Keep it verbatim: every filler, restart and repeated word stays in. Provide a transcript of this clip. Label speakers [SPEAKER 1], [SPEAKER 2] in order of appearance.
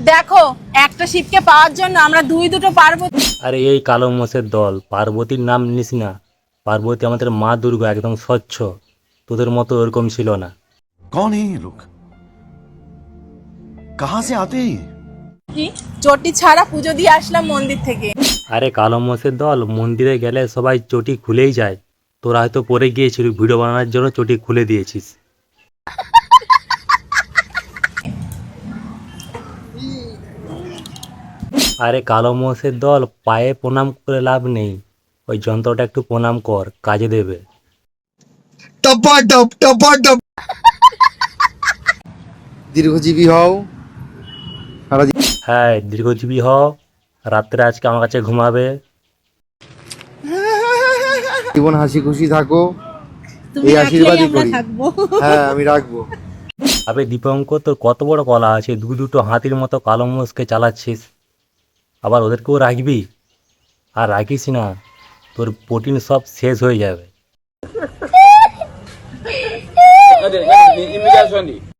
[SPEAKER 1] দেখো, একটা শিবকে পাওয়ার জন্য আমরা দুই দুটো পার্বতী।
[SPEAKER 2] আরে এই কালো মোষের দল, পার্বতীর নাম নিস না। পার্বতী আমাদের মা দুর্গা, একদম স্বচ্ছ। তোদের মতো ওরকম ছিল না।
[SPEAKER 3] कौन है ये लोग? कहां से आते हैं ये?
[SPEAKER 1] চটি ছাড়া পুজো দিয়ে আসলাম মন্দির থেকে।
[SPEAKER 2] আরে কালো মোষের দল, মন্দিরে গেলে সবাই চটি খুলেই যায়। তোরা হয়তো পরে গিয়েছিলি, ভিডিও বানানোর জন্য চটি খুলে দিয়েছিস। আরে কালো মোষের দল, পায়ে প্রণাম করে লাভ নেই। ওই যন্ত্রটা একটু প্রণাম কর, কাজে দেবে।
[SPEAKER 4] টপাটপ টপাটপ দীর্ঘজীবী হও সারা
[SPEAKER 2] হ্যাঁ, দীর্ঘজীবী হ। রাত্রে আজকে আমার কাছে ঘুমাবে।
[SPEAKER 4] জীবন হাসি খুশি থাকো,
[SPEAKER 1] তুমি
[SPEAKER 4] এই
[SPEAKER 1] রাখলেই
[SPEAKER 4] আশীর্বাদই
[SPEAKER 1] আমরা
[SPEAKER 4] করি।
[SPEAKER 1] থাকবো।
[SPEAKER 4] হ্যাঁ আমি রাখবো।
[SPEAKER 2] আবে দীপঙ্কর, তোর কত বড় কলা আছে, দু দুটো হাতির মতো কালো মোষকে চালাচ্ছিস। আবার ওদেরকেও রাখবি? আর রাখিস না, তোর প্রোটিন সব শেষ হয়ে যাবে।